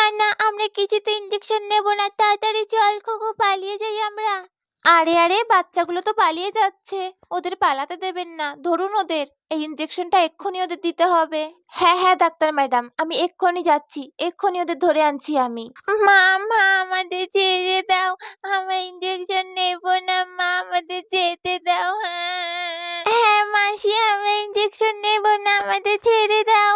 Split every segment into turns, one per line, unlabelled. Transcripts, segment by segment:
না আমরা কিছুতে ইঞ্জেকশন নেব না, তাড়াতাড়ি চল খোকো, পালিয়ে যাই আমরা। আরে আরে, বাচ্চাগুলো তো পালিয়ে যাচ্ছে, ওদের পালাতে দেবেন না, ধরুন ওদের, এই ইঞ্জেকশনটা এক্ষুনি ওদের দিতে হবে। হ্যাঁ হ্যাঁ ডাক্তার ম্যাডাম, আমি এক্ষুনি যাচ্ছি, এক্ষুনি ওদের ধরে আনছি আমি। মা মা আমাদের ছেড়ে দাও, আমরা ইঞ্জেকশন নেব না মা, আমাদের যেতে দাও। হ্যাঁ মাসি, আমরা ইঞ্জেকশন নেব না, আমাদের ছেড়ে দাও।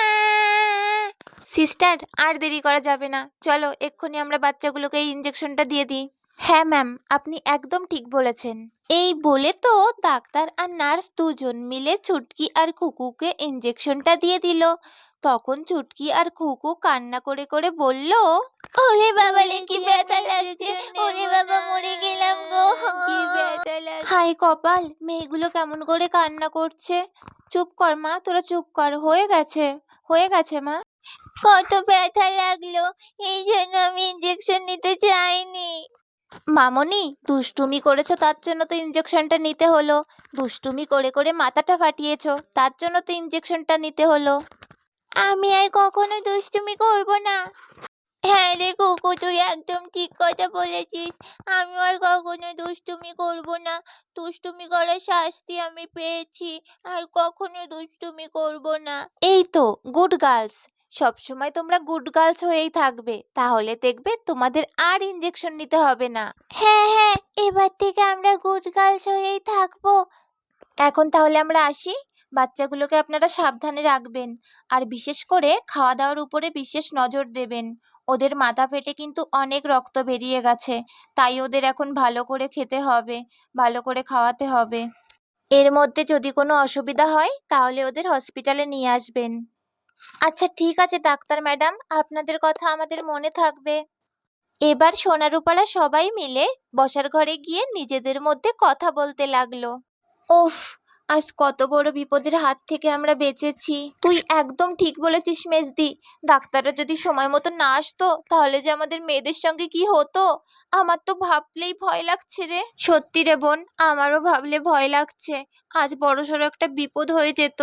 সিস্টার, আর দেরি করা যাবে না, চলো এক্ষুনি আমরা বাচ্চাগুলোকে এই ইঞ্জেকশনটা দিয়ে দিই। হ্যাঁ ম্যাম, আপনি একদম ঠিক বলেছেন। এই বলে তো ডাক্তার আর নার্স দুজন মিলে চুটকি আর খুকুকে ইঞ্জেকশনটা দিয়ে দিল। তখন চুটকি আর খুকু কান্না করে করে বলল, ওরে বাবা রে, কি ব্যথা লাগছে, ওরে বাবা মরে গেলাম গো, কি ব্যথা লাগছে। হাই কপাল, মেয়েগুলো কেমন করে কান্না করছে। চুপ কর মা, তোরা চুপ কর, হয়ে গেছে হয়ে গেছে মা। কত ব্যথা লাগলো, এই জন্য আমি ইঞ্জেকশন নিতে চাইনি। মামনি, দুষ্টুমি করেছো তার জন্য তো ইঞ্জেকশনটা নিতে হলো, দুষ্টুমি করে করে মাথাটা ফাটিয়েছো তার জন্য তো ইঞ্জেকশনটা নিতে হলো। আমি আর কখনো দুষ্টুমি করব না। হ্যাঁ রে কুকু, তুই একদম ঠিক কথা বলেছিস, আমি আর কখনো দুষ্টুমি করব না, দুষ্টুমি করার শাস্তি আমি পেয়েছি, আর কখনো দুষ্টুমি করব না। এই তো গুড গার্লস, সবসময় তোমরা গুড গার্লস হয়েই থাকবে, তাহলে দেখবে তোমাদের আর ইঞ্জেকশন নিতে হবে না। হ্যাঁ হ্যাঁ, এবার থেকে আমরা গুড গার্লস হয়েই থাকবো। এখন তাহলে আমরা আসি, বাচ্চাগুলোকে আপনারা সাবধানে রাখবেন, আর বিশেষ করে খাওয়া দাওয়ার উপরে বিশেষ নজর দেবেন। ওদের মাথা ফেটে কিন্তু অনেক রক্ত বেরিয়ে গেছে, তাই ওদের এখন ভালো করে খেতে হবে, ভালো করে খাওয়াতে হবে। এর মধ্যে যদি কোনো অসুবিধা হয় তাহলে ওদের হসপিটালে নিয়ে আসবেন। আচ্ছা ঠিক আছে ডাক্তার ম্যাডাম, আপনাদের কথা আমাদের মনে থাকবে। এবার সোনারূপারা সবাই মিলে বসার ঘরে গিয়ে নিজেদের মধ্যে কথা বলতে লাগলো। উফ, আজ কত বড় বিপদের হাত থেকে আমরা বেঁচেছি। তুই একদম ঠিক বলেছিস মেজদি, ডাক্তাররা যদি সময় মতো না আসতো তাহলে যে আমাদের মেয়েদের সঙ্গে কি হতো, আমার তো ভাবলেই ভয় লাগছে রে। সত্যি রে বোন, আমারও ভাবলে ভয় লাগছে, আজ বড়সড় একটা বিপদ হয়ে যেত।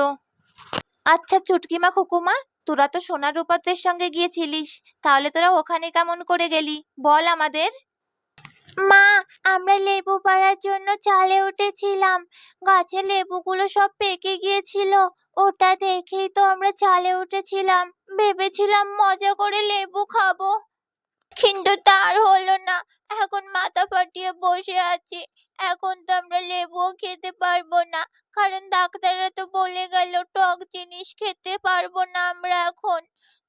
আচ্ছা চুটকিমা খুকুমা, তোরা তো সোনার রূপাদের সঙ্গে গিয়েছিলিস, তাহলে তোরা ওখানে কেমন করে গেলি বল আমাদের। মা, আমরা লেবু পাড়ার জন্য চালে উঠেছিলাম, গাছে লেবুগুলো সব পেকে গিয়েছিল, ওটা দেখেই তো আমরা চালে উঠেছিলাম, ভেবেছিলাম মজা করে লেবু খাবো, কিন্তু তার হলো না, এখন মাথা ফাটিয়ে বসে আছি, এখন তো আমরা লেবুও খেতে পারবো না, কারণ ডাক্তাররা তো বলে গেল টক জিনিস খেতে পারবো না আমরা এখন।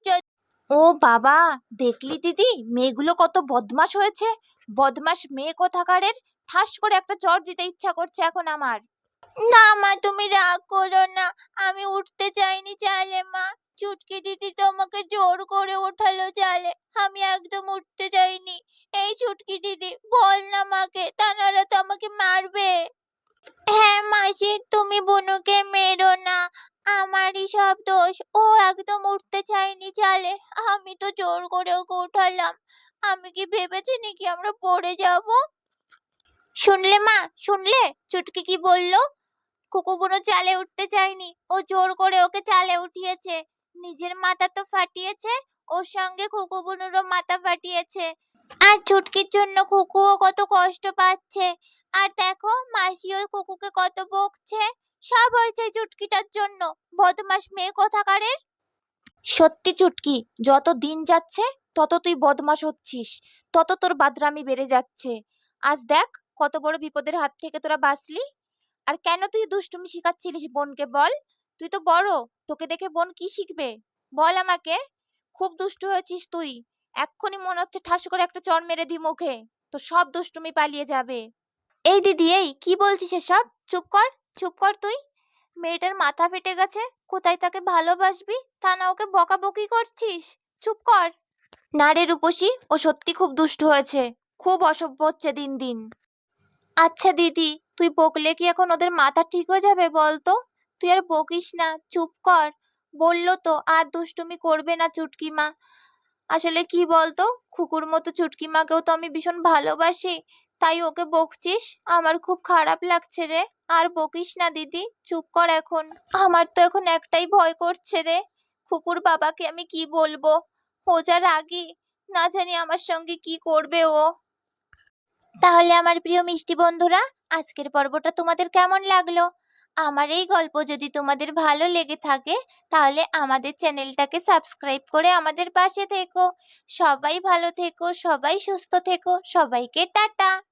ও বাবা, দেখলি দিদি, মেয়েগুলো কত বদমাশ হয়েছে, বদমাশ মেয়ে কোথাকারের, ঠাস করে একটা চড় দিতে ইচ্ছা করছে এখন আমার। না মা, তুমি রাগ করো না, আমি উঠতে চাইনি চালে মা, চুটকি দিদি তো আমাকে জোর করে ওঠালো চালে, আমি একদম উঠতে চাইনি। এই চুটকি দিদি, বল না মাকে, তা নাহলে তো আমাকে মারবে। হ্যাঁ মাসি, তুমি বুনুকে মেরো না, আমারই সব দোষ, ও একদম উঠতে চায়নি চালে, আমি তো জোর করে ওকে উঠালাম, আমি কি ভেবেছি নাকি আমরা পড়ে যাব। শুনলে মা, শুনলে চুটকি কি বললো, খুকু বুনো চালে উঠতে চায়নি, ও জোর করে ওকে চালে উঠিয়েছে, নিজের মাথা তো ফাটিয়েছে, ওর সঙ্গে খুকু বুনুরও মাথা ফাটিয়েছে, আর চুটকির জন্য খুকুও কত কষ্ট পাচ্ছে, আর দেখো মাসি ওই খুকুকে কত বকছে, সব হয়েছে চুটকিটার জন্য, বদমাস মেয়ে কোথাকারের। সত্যি চুটকি, যত দিন যাচ্ছে তত তুই বদমাস হচ্ছিস, তত তোর বাদরামি বেড়ে যাচ্ছে। আজ দেখ কত বড় বিপদের হাত থেকে তোরা বাঁচলি। আর কেন তুই দুষ্টুমি শিখাচ্ছিলিস বোনকে বল, তুই তো বড়, তোকে দেখে বোন কি শিখবে বল আমাকে। খুব দুষ্টু হয়েছিস তুই, এক্ষুনি মনে হচ্ছে ঠাস করে একটা চড় মেরে দি মুখে, তো সব দুষ্টুমি পালিয়ে যাবে। এই দিদি, এই কি বলছিস এসব, চুপ কর, চুপ কর তুই, মেয়েটার মাথা ফেটে গেছে, কোথায় তাকে ভালোবাসবি, তা না ওকে বকাবকি করছিস, চুপ কর। না রে রূপসী, ও সত্যি খুব দুষ্টু হয়েছে, খুব অসভ্য হচ্ছে দিন দিন। আচ্ছা দিদি, তুই বকলে কি এখন ওদের মাথা ঠিক হয়ে যাবে বলতো, তুই আর বকিস না, চুপ কর, বললো তো আর দুষ্টুমি করবে না চুটকিমা। আসলে কি বলতো, খুকুর মতো চুটকিমাকেও তো আমি ভীষণ ভালোবাসি, তাই ওকে বকছিস, আমার খুব খারাপ লাগছে রে, আর বকিস না দিদি, চুপ কর এখন। আমার তো এখন একটাই ভয় করছে রে, খুকুর বাবাকে আমি কি বলবো, ও যা রাগী, না জানি আমার সঙ্গে কি করবে ও। তাহলে আমার প্রিয় মিষ্টি বন্ধুরা, আজকের পর্বটা তোমাদের কেমন লাগলো? আমার এই গল্প যদি তোমাদের ভালো লেগে থাকে তাহলে আমাদের চ্যানেলটাকে সাবস্ক্রাইব করে আমাদের পাশে থেকো। সবাই ভালো থেকো, সবাই সুস্থ থেকো, সবাইকে টাটা।